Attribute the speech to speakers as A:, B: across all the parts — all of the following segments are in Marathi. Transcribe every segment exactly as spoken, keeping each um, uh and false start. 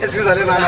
A: केसरी झाले नाना.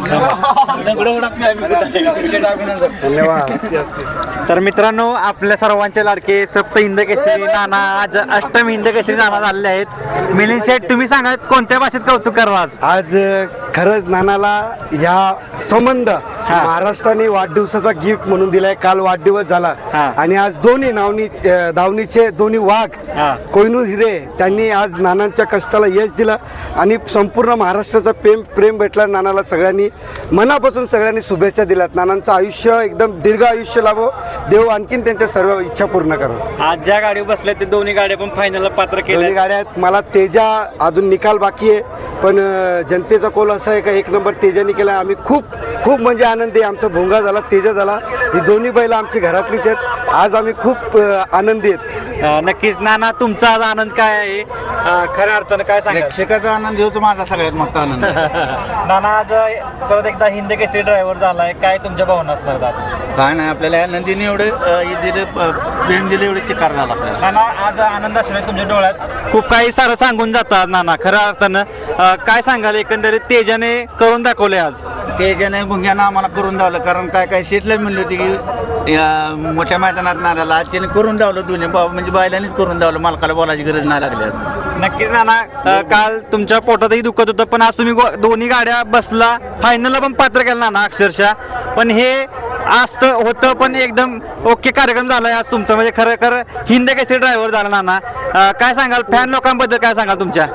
A: धन्यवाद.
B: तर मित्रांनो, आपल्या सर्वांचे लाडके सप्त हिंद केसरी नाना आज अष्टम हिंद केसरी नाना झालेले आहेत. मिलिंद शेठ, तुम्ही सांगा कोणत्या भाषेत कौतुक करावं आज?
A: आज खरंच नानाला ह्या संबंध महाराष्ट्राने वाढदिवसाचा गिफ्ट म्हणून दिलाय. काल वाढदिवस झाला आणि आज दोन्ही नावनी दावणीचे दोन्ही वाघ कोहिनूर हिरे त्यांनी आज नानांच्या कष्टाला यश दिलं आणि संपूर्ण महाराष्ट्राचा प्रेम प्रेम भेटला नानाला. सगळ्यांनी मनापासून सगळ्यांनी शुभेच्छा दिल्यात. नानांचं आयुष्य एकदम दीर्घ आयुष्य लाभो, देव आणखीन त्यांच्या सर्व इच्छा पूर्ण करो.
B: आज ज्या गाडी बसल्या ते दोन्ही गाड्या पण फायनलला पात्र केल्या.
A: दोन्ही गाड्या आहेत. मला तेजा अजून निकाल बाकी आहे, पण जनतेचा कोल असा आहे का एक नंबर तेजाने केला. आम्ही खूप खूप म्हणजे आनंदी आहे. आमचा भोंगा झाला, तेजा झाला. ही दोन्ही बैल आमची घरातलीच आहेत. आज आम्ही खूप आनंदी आहेत.
B: नक्कीच नाना, तुमचा आज आनंद काय आहे? खऱ्या अर्थानं काय सांगा?
C: प्रेक्षकाचा आनंद होतो माझा सगळ्यात मोठा आनंद.
B: नाना, आज परत एकदा हिंद केसरी ड्रायव्हर झालाय, काय तुमच्या भावना असणार आज?
C: काय नाही, आपल्याला या नंदीने एवढे दिले प्रेम दिले, एवढे चिकार झाला आपल्याला.
B: नाना, आज आनंद असणार तुमच्या डोळ्यात. खूप काही सारं सांगून जातात नाना. खऱ्या अर्थानं काय सांगाल? एकंदरीत तेजाने करून दाखवले आज.
C: तेजाने भुंग्यानं आम्हाला करून दावलं, कारण काय काय शेतला म्हणली होती की या मोठ्या मैदानात नाराला आज त्याने करून दावलं. दोन्ही भाऊ म्हणजे बायलांनीच करून दावलं, मालकाला बोलायची गरज नाही लागली आज.
B: नक्कीच नाना, काल तुमच्या पोटातही दुखत होतं, पण आज तुम्ही दोन्ही गाड्या बसला, फायनलला पण पात्र केलं नाना अक्षरशः. पण हे आज तर होतं, पण एकदम ओके कार्यक्रम झालाय आज तुमचा. म्हणजे खरं खरं हिंद केसरी ड्रायव्हर झाला नाना. काय सांगाल फॅन लोकांबद्दल, काय सांगाल तुमच्या?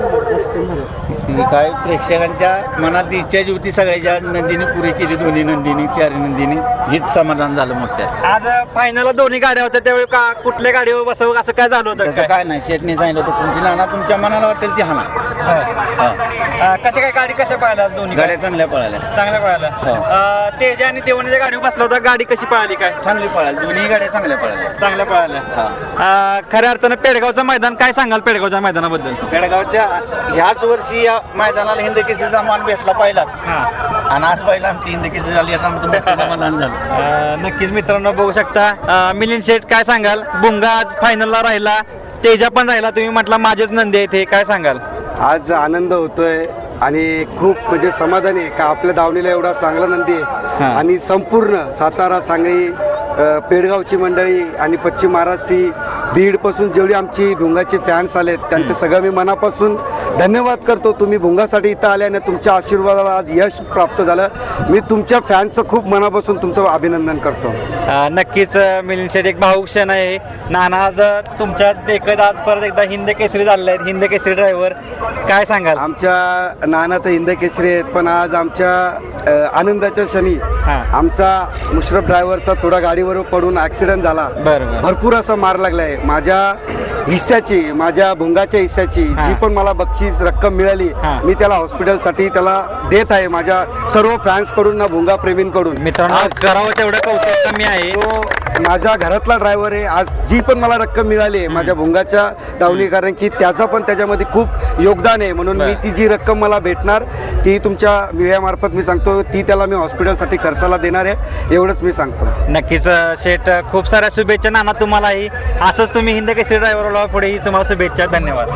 C: काय प्रेक्षकांच्या मनात इच्छा जी होती सगळ्याच्या नंदीने पुरी केली. दोन्ही नंदीनी, चारी नंदीनी, हीच समाधान झालं मोठ्या.
B: आज फायनलला दोन्ही गाड्या होत्या, त्यावेळी का कुठल्या गाडीवर बसवं असं काय झालं होतं?
C: तसं काय नाही, शेटने सांगितलं होतं तुमची नाना तुमच्या मनाला वाटेल ती हाना.
B: कसं काय गाडी कशा पळाल्या दोन्ही
C: गाड्या चांगल्या पळाल्या,
B: चांगल्या पळाल्या. तेजा आणि देवणीच्या गाडीवर बसला होता, गाडी कशी पळाली? काय
C: चांगली पळाली, दोन्ही गाड्या चांगल्या पळाल्या,
B: चांगल्या पळाल्या. खऱ्या अर्थानं पेडगावचं मैदान, काय सांगाल पेडगावच्या मैदानाबद्दल?
C: पेडगावच्या ह्याच वर्षी या मैदानाला हिंद केसरीचा मान भेटला पहिलाच, आणि आज पहिला आमची हिंद केसरी झाली, आता आमचं मोठं समाधान झालं.
B: नक्कीच मित्रांनो, बघू शकता. मिलिंद शेठ, काय सांगाल? भुंगा आज फायनलला राहिला, तेजा पण राहिला, तुम्ही म्हटला माझेच नंदी आहेत, हे काय सांगाल?
A: आज आनंद होतोय आणि खूप म्हणजे समाधानी आहे का आपल्या दावणीला एवढा चांगला नंदी आहे. आणि संपूर्ण सातारा, सांगली, पेडगावची मंडळी आणि पश्चिम महाराष्ट्री, बीडपासून जेवढी आमची भुंगाचे फॅन्स आलेत त्यांचं सगळं मी मनापासून धन्यवाद करतो. तुम्ही भुंगासाठी इथं आले आणि तुमच्या आशीर्वादाला आज यश प्राप्त झालं. मी तुमच्या फॅन्सचं खूप मनापासून तुमचं अभिनंदन करतो.
B: नक्कीच मिलिंद शेठ, एक भाऊक क्षण आहे. नाना, आज तुमच्या देखत आज परत एकदा हिंद केसरी झालेले आहेत, हिंद केसरी ड्रायव्हर, काय सांगाल?
A: आमच्या नाना तर हिंद केसरी आहेत, पण आज आमच्या आनंदाच्या क्षणी आमचा मुश्रफ ड्रायव्हरचा थोडा गाडीवर पडून ॲक्सिडेंट झाला. भरपूर असा मार लागलाय. माझ्या हिस्साची, माझ्या भुंगाच्या हिस्साची जी पण मला बक्षीस रक्कम मिळाली, मी त्याला हॉस्पिटलसाठी त्याला देत आहे माझ्या सर्व फॅन्स कडून ना भुंगा प्रेमींकडून.
B: मित्रांनो, करावं तेवढं कौतुक कमी आहे.
A: तो माझ्या घरातला ड्रायव्हर आहे. आज जी पण मला रक्कम मिळाली आहे माझ्या भुंगाच्या दावणी, कारण की त्याचा पण त्याच्यामध्ये खूप योगदान आहे. म्हणून मी ती जी रक्कम मला भेटणार ती तुमच्या मीडियामार्फत मी सांगतो, ती त्याला मी हॉस्पिटलसाठी खर्चाला देणार आहे, एवढंच मी सांगतो.
B: नक्कीच शेठ, खूप साऱ्या शुभेच्छा नाना तुम्हालाही. असंच तुम्ही हिंद केसरी ड्रायव्हरला पुढेही तुम्हाला शुभेच्छा. धन्यवाद.